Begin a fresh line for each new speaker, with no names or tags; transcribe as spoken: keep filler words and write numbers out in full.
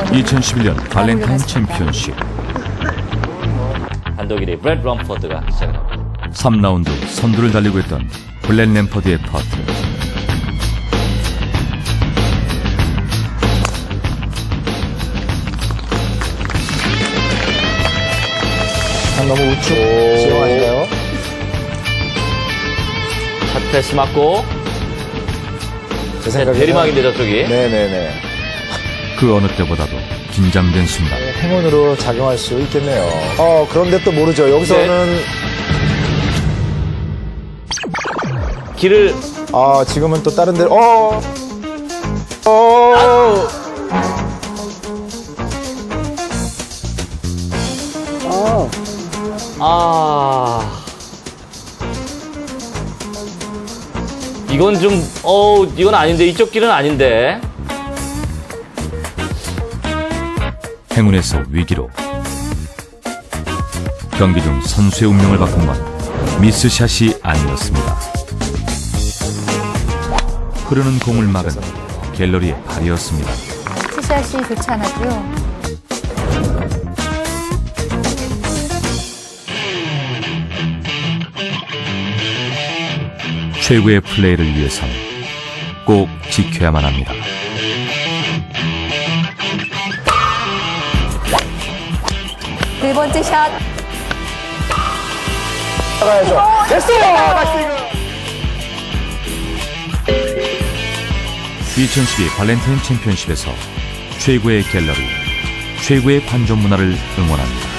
이천십일 년 발렌타인 챔피언십
단독 일 위 브렛 럼퍼드가 시작을 합니다.
삼 라운드 선두를 달리고 있던 블랙 램퍼드의 퍼트.
아, 너무 우측 지형 아닌가요?
첫 패스 맞고
제 생각에
대리막인데 저쪽이.
네네네.
그 어느 때보다도 긴장된 순간
행운으로 작용할 수 있겠네요. 어 그런데 또 모르죠. 여기서는
길을
아 지금은 또 다른 데로 어. 어.
아 이건 좀 어 이건 아닌데 이쪽 길은 아닌데.
행운에서 위기로 경기 중 선수의 운명을 바꾼 건 미스샷이 아니었습니다. 흐르는 공을 막은 갤러리의 발이었습니다.
티샷이 좋지 않았고요.
최고의 플레이를 위해서는 꼭 지켜야만 합니다.
네 번째 샷.
나가야죠. 됐어요. 다시
이천십이 발렌타인 챔피언십에서 최고의 갤러리, 최고의 관전 문화를 응원합니다.